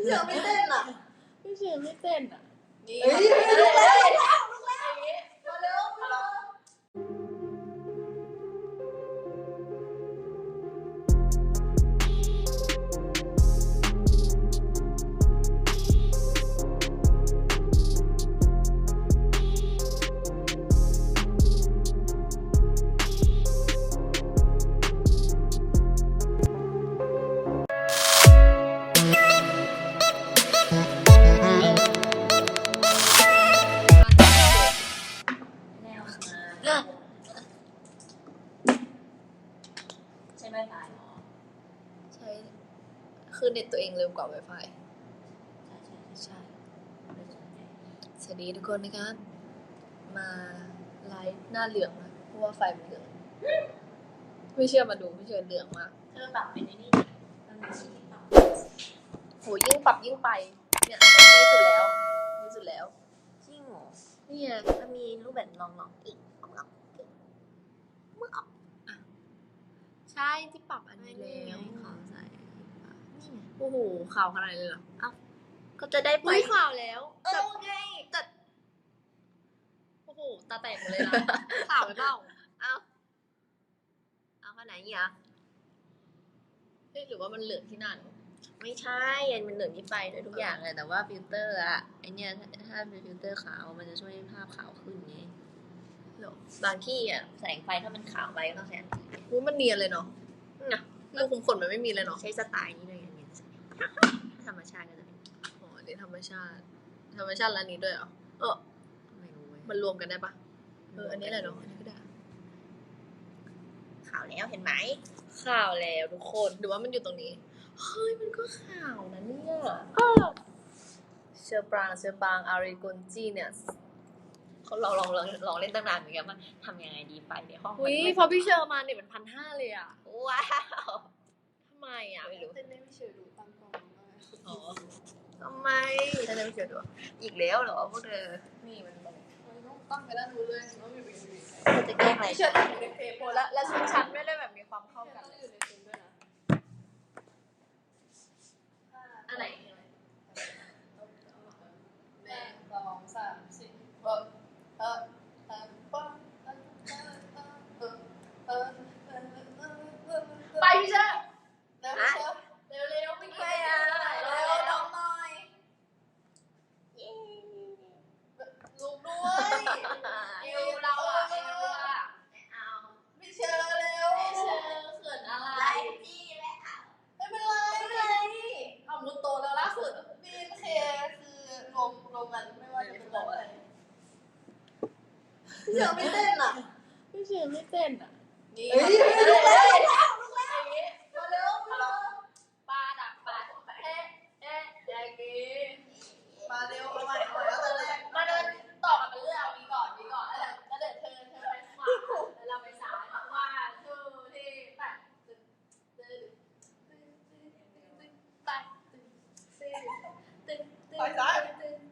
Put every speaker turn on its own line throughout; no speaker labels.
พี่เชอร์ไม่เต้นอ่ะ
พี่เชอร์ไม่เต้นอ่ะ
นี่ลุกแล้วมาเร็วมาเร็ว
ใช่ไหมตายหรอใช่คือเน็ตตัวเองเร็วกว่า Wi-Fi ใช่สวัสดีทุกคนนะครับมาไลฟ์หน้าเหลืองนะเพราะว่าไฟมันเหลืองไม่เชื่อมาดูไม่เชื่อเหลืองมาก
เธอปรับเป็นนี่มันมีที่ปรับ
โหยิ่งปรับยิ่งไปเนี่ยอันนี้ดีสุดแล้วดีสุดแล้ว
จริงเหรอ
นี่ไง
มันมีรูปแบบลองอีกลองอีกเมื่อออก
ใช่ที่ปรับอันนี้แล้ว
ขาวใสนี่ไง
โอ้โหข่าวขนาดเลยเหรอ
เอ้าก็จะได้ไป
ข่าวแล้ว
ไง
แต่โอ้โหตาแตกหมดเลยนะข่าวไปเปล่า
เอาขนาดนี้อ่ะ
หรือว่ามันเหลืองที่นั่น
ไม่ใช่มันเหลืองที่ไฟด้วยทุกอย่างเลยแต่ว่าฟิลเตอร์อะไอเนี้ยถ้าเป็นฟิลเตอร์ขาวมันจะช่วยให้ภาพขาวขึ้นไงบางที่อ่ะแสงไฟถ้ามันขาวไปก็ต้องใช้อัน
อื่มันเนียนเลยเนาะรูคุมขนมันไม่มีเลยเนาะ
ใช้สไตล์นี้เลยอย่างเงี้ยธรรมชาติก็จะเป็น
อ๋ออันนี้ธรรมชาติแล้วอันนี้ด้วยเหรอ
ไม่รู้
มันรวมกันได้ปะอันนี้แหละเนาะอันนี้ก็ได้
ขาวแล้วเห็นไหม
ข่าวแล้วทุกคนหรือว่ามันอยู่ตรงนี้เฮ้ยมันก็ข่าวนะเนี่ยเชอปรางอาริกุนจีเนี่ย
เขาลองเล่นตั้งนานเหมือนกันว่าทำยังไงดีไฟในห้อง
พอพี่เชอร์มาเนี่ยเป็น1,500เลยอ่ะ
ว้าว
ทำไมอ่ะ
ไม่รู้
เต้นได้พี่เชอร์ดูตั้งกล้อง
อ๋อทำไม
เต้นได้พี่เชอร์ดู
อีกแล้วเหรอพวกเธอ
นี่มันต้องตั้งไปแล้วรู้เลยว่ามีวิว
จะแก้ไง
พี่เชอร์อยู่ในเฟรมและชุดชั้นไม่ได้แบบมีความเข้ากันต้องอยู่ในเฟรมด้วยนะ
อันไหน
1 2 3 4ไปพี่เชอร์เร็วไม่ไปอ่ะ
เร็วน้องหน่อย
ลูกด้วยเอวเราอ่ะ
เอา
พี่เชอร์เร็วพี่เชอร์เขินอะไร
พี่แล้ว
ไม่เป็นไรเอามุดโตแล้วล่าสุดบีนเคคือรวมกันไม่ว่าจะเป็นอะไร
พี่เชอร์ไม่เต้นอ่ะ
พี่เชอร์ไม่เต้นอ่ะ
นี่ลุกแล้ว
มาเร็วปลาดักปลาอย่างนี้
มาเร็วเอาใหม่แล้วตอนแรก
มาเดินต่อกันเป็นเรื่องนี้ก่อนแล้วเดินเธอไปขวาแล้วเราไปซ้ายว่าทูที่ไป
ไปซ้าย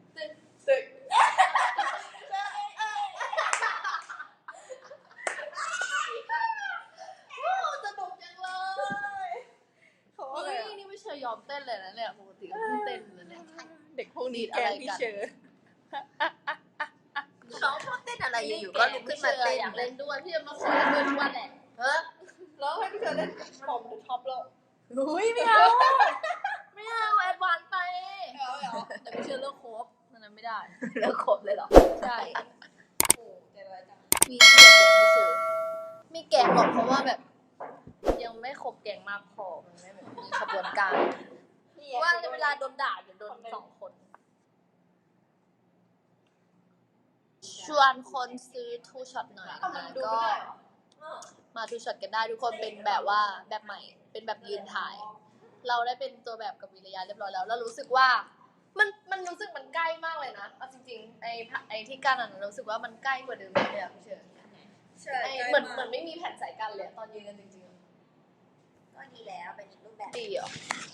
นี่ไม่เชยยอมเต้นเลยนะเนี่ยปกติก็เต้นเลยเนี่ยเด็กพวกนี้อะไรกัน
น้องชอบเต้นอะไรอยู่ก็ลุกขึ้นมาเต้น
อยากเล่นด้วยพี่จะมาขอเล่นด้วยทุกวันแหละ
แล้วให้พี่เชอร์เล่นผมท็อปแล้ว
ไม่เอาแอดวานไปแต่พี่เชอร์เลิกคบนั้นไม่ได้
เลิกคบเลยเหรอ
ใช่โอ้ใจร้ายจังมีแก๊งพี่เชอร์มีแก๊งหรอกเพราะว่าแบบยังไม่คบแก๊งมากพอมันไม่แบบมีขบวนการว่าเวลาโดนด่าเดี๋ยวโดน2 คนชวนคนซื้อทูช็อตหน่อยก็มาทูช็อตกันได้ทุกคนเป็นแบบว่าแบบใหม่เป็นแบบยืนถ่ายเราได้เป็นตัวแบบกับวิริยะเรียบร้อยแล้วรู้สึกว่ามันรู้สึกมันใกล้มากเลยนะเอาจริงๆไอ้ที่กั้นนั้นรู้สึกว่ามันใกล้กว่าเดิมเลยอะพี่เชอร์
ใช่
เหมือนไม่มีแผ่นสายกั้นเลยตอนยืนกันจริง
ๆก็ดีแล้วเป็นอีกรูปแบบ
ดีเหรอ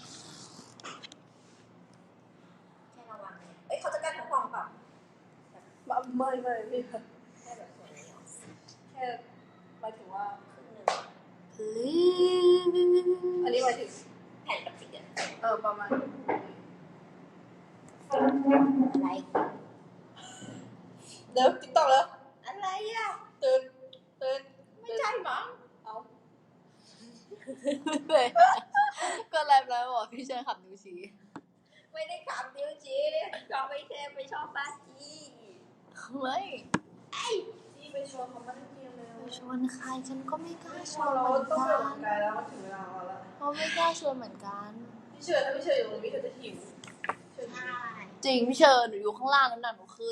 แค่ระวังเนี่ยเขาจะกั้นทั้งห้องเปล่า
ไม่พี่
แค่แบบส่วนนี้
แค่หมายถึงว่า
ครึ่งนึง
อันนี้หมายถึง
แผ่นกับสี
ประมาณ
อะไร
เดี๋ยวติ๊กต็อกแล้ว
อะไรอ่ะ
ตื่น
ไม่ใช่มั้ง
เอาเลยก็ไลฟ์แล้วบอกพี่เชิญขับนิ้วชี้
ไม่ได้ขับดิวจีชอบไม่เทพไม่ชอบบ้าจี
ไม่
ที่ไปชวนเขามาเล่นเกมเลย
ไปชวนใครฉันก็ไม่กล้าชวน
เรา
เหมือน
ต้อง
กั
ไปออกกำลั
น
งกายแล้วมันถึงเวลาเราแล้ว
เขาไม่กล้าชวนเหมือนกัน
พี่เชิญถ้าพี่เชิญอยู่ตรงนี้เธอจะหิวเชิญ
ใช่
จริงพี่เชิญหนูอยู่ข้างล่างน้ำหนักหนูขึ้น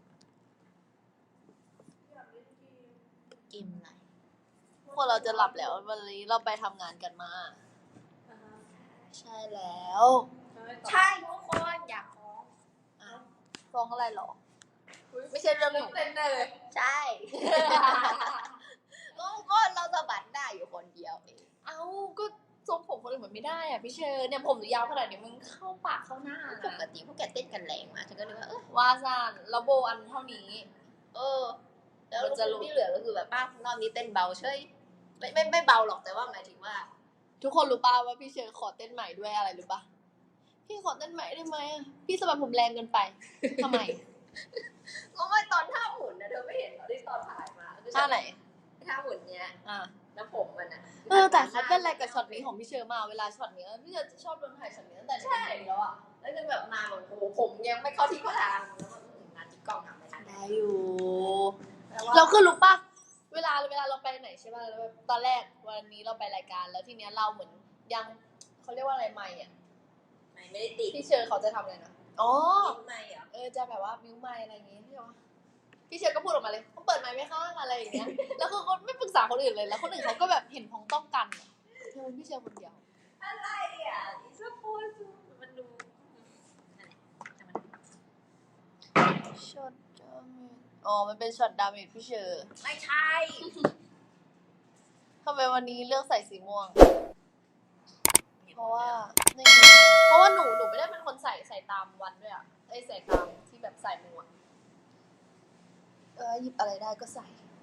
กินอะไร
พวกเราจะหลับแล้ววันนี้เราไปทำงานกันมา ใช่แล้ว
ใช่ทุกคนอยากฟ้อง
ฟ้องอะไรหรอ ไม่ใช่เรื่องหนู
เต้นได้เลย
ใช่ ก็เราสะบัดได้อยู่คนเดียวเอง
เอาก็ทรงผมคนอื่นมันไม่ได้อ่ะพี่เชิญเนี่ยผมหนูยาวขนาดนี้มันเข้าปากเข้าหน้า
ป
นะ
กติพวกแกเต้นกันแรงมากฉันก็เลยว่า
ว่าซานแล้วโบอันเท่านี้
แล้ว
มันจะรู้
ที่เหลือก็คือแบบป้ารอบนี้เต้นเบาเฉยไม่เบาหรอกแต่ว่าหมายถึงว่า
ทุกคนรู้ป่าว่าพี่เชิญขอเต้นใหม่ด้วยอะไรรู้ป่ะพี่ขอเต้นใหม่ได้ไหมอะพี่สะบัดผมแรงเกินไปทำไม
ก็ไม่ตอนท่าหมุนนะเธอไม่เห็นเหรอที่ตอนถ่ายมาคือ
ท่าไหน
ท่าหมุนเนี้ย
อ่า
แล้วผมมันอ่ะ
แต่เขาเต้นอะไรกับช็อตนี้ของพี่เชอร์มาเวลาช็อตนี้พี่เชอร์จะชอบโดนถ่ายช็อตนี้ตั้งแต่เด็กๆแล้วอ่ะ
แล้วคือแบบมาแบบโอ้โหผมยังไม่เข้าที่เข้าทางแล้วก็งานที่กล้องทำไม่ทัน
ได้อยู่
แล้วว่า
เราคือรู้ป่ะเวลาเราไปไหนใช่ป่ะแล้วแบบตอนแรกวันนี้เราไปรายการแล้วทีเนี้ยเราเหมือนยังเขาเรียกว่าอะไรไม่อ่ะ
ไม่ได้ติด
พี่เชอร์เขาจะทำอะไรนะอ๋อ
ติดไม่เหรอ
จะแบบว่ามิวไมค์อะไรอย่างเงี้ยพี่เชอร์ก็พูดออกมาเลยเขาเปิดไมค์ไหมคะอะไรอย่างเงี้ย แล้วคือเขาไม่ปรึกษาคนอื่นเลยแล้วคนอื่นเขาก็แบบเห็นพ้องต้องกันอะเธอเป็นพี่เชอร์คนเดียว
อะไรอ่ะอีสปอร์ตมันดูนั่นแหละ
ช็อตดาเมจมันเป็นช็อตดาเมจพี่เชอร์
ไม่ใช่
ทำไมวันนี้เลือกใส่สีม่วง เพราะว่าไม่รู้เพราะว่าหนูไม่ได้เป็นคนใส่ตามวันด้วยอ่ะใส่ตามที่แบบใส่หมวกหยิบอะไรได้ก็ใส่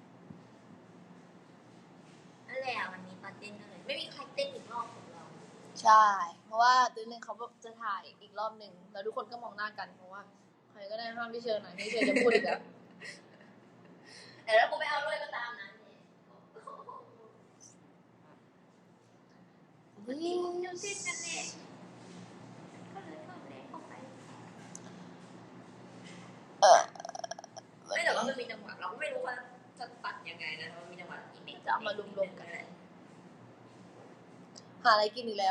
นั่นแหละวันนี้ตอนเต้นก็เลยไม่มีใครเต้นอีกรอบของเรา
ใช่ เพราะว่าตื่นหนึ่งเขาแบบจะถ่ายอีกรอบหนึ่งแล้วทุกคนก็มองหน้ากันเพราะว่าใครก็ได้ห้ามพี่เชิญหน่อยพี่เชิญจะพูดอีกแล้ว
แต่ถ้ากูไม่เอาด้วยก็ตามนั้นเนี่ยปกติผมจะเต้นกันเนี่ยก็เลยเพิ่มแรงเข้าไปไม่แต่ว่ามันมีจังหวะเราก็ไม่รู้ว่าจะตัดยังไงนะแต่ว่ามีจังหวะอีกนิด
จะเอามารวมๆกัน หาอะไรกินอีกแล้ว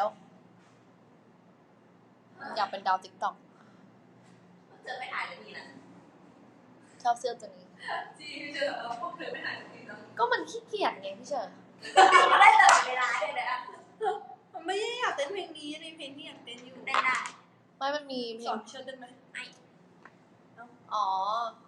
อยากเป็นดาวติ๊กต็อก
เจอไม่ถ่ายเลยทีนะ
ชอบเสื้อตัวนี้
จริงพี่เชิญพวกเธอไม่หายสักทีนะ
ก็มันขี้เกียจไงพี่เชิญ
ได้ตลอดเวลาเลยนะ
มันไม่ได้อยากเต้นเพลงนี้ในเพลงที่อยากเต้นอยู่
ได้ได้
ไม่มันมีเพล
สอง นเชิญได้ไหม
อ๋อ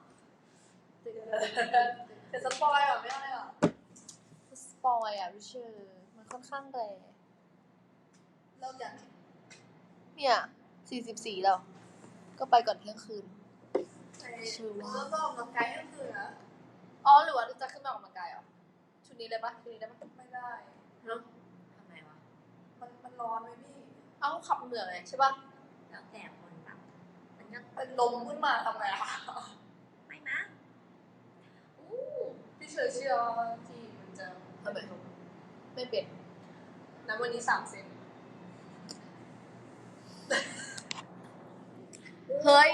แต่สปอยเหรอไม่ได้เหรอ
สปอยอ่ะพี่เชิญมันค่อนข้างแรง
เริ่มจาก
เนี่ย44แล้ว ก็ไปก่อนเที่ยงคืน ชื่อว่า
แล้วก็ออกกำลังกายก็คือนะ
หรือว่าจะขึ้นมาออกกำลังกายเหรอ ชุดนี้เลยปะชุดนี้ได้ปะ
ไม่ได้
ทำไมวะ
มันร้อนไหมพี่
เอ้าขับเหนื่อยใช่ปะ
แล้วแต่คนแบบมันก็
เป็นลมขึ้นมาทำไงอะ
ไม่มั้งอู้
พี่เชิญเชื่อว่าที่มันจะ
ไม่เป็น
น้ำวันนี้3 เซน
เฮ้ย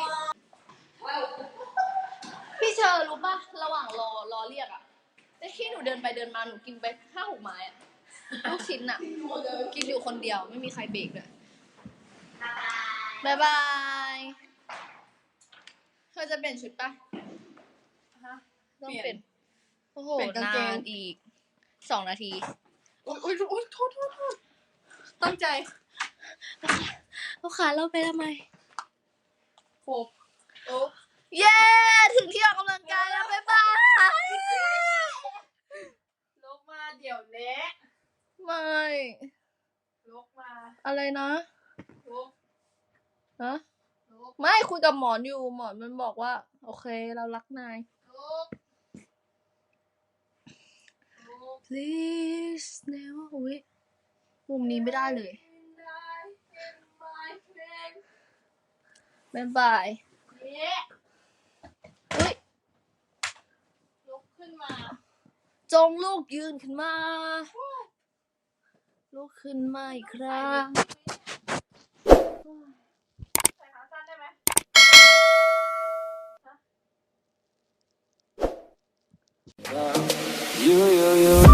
พี่เชอร์รู้ปะระหว่างรอเรียกอะแต่ที่หนูเดินไปเดินมาหนูกินไป5-6 ไม้อะลูกชิ้นอะกินอยู่คนเดียวไม่มีใครเบรกเลยบายบายเธอจะเปลี่ยนชุดปะ
ฮะ
ต้องเปลี่ยนโอ้โห
เปลี่ยนกางเกง
นานอีก2 นาที
โอ๊ยโทษตั้งใจ
ลูกค้าเราไปทำไม
โอ้โอ้
เย้ ถึงที่ออกกำลังกายแล้วบ๊ายบาย
ลกมาเดี๋ยวเละ
ไม่
ลกมา
อะไรนะ
ลก
ฮะ
ลก
ไม่คุยกับหมอนอยู่หมอนมันบอกว่า โอเคเรารักนาย
ลก
please never อุ๊ยมุมนี้ไม่ได้เลยบ๊ายบายอุ้ย
ลุกขึ้นมา
จงลูกยืนขึ้นมา ลูกขึ้นมาอีกครั้ง
ใส่ขาสั้นได้ไหม
You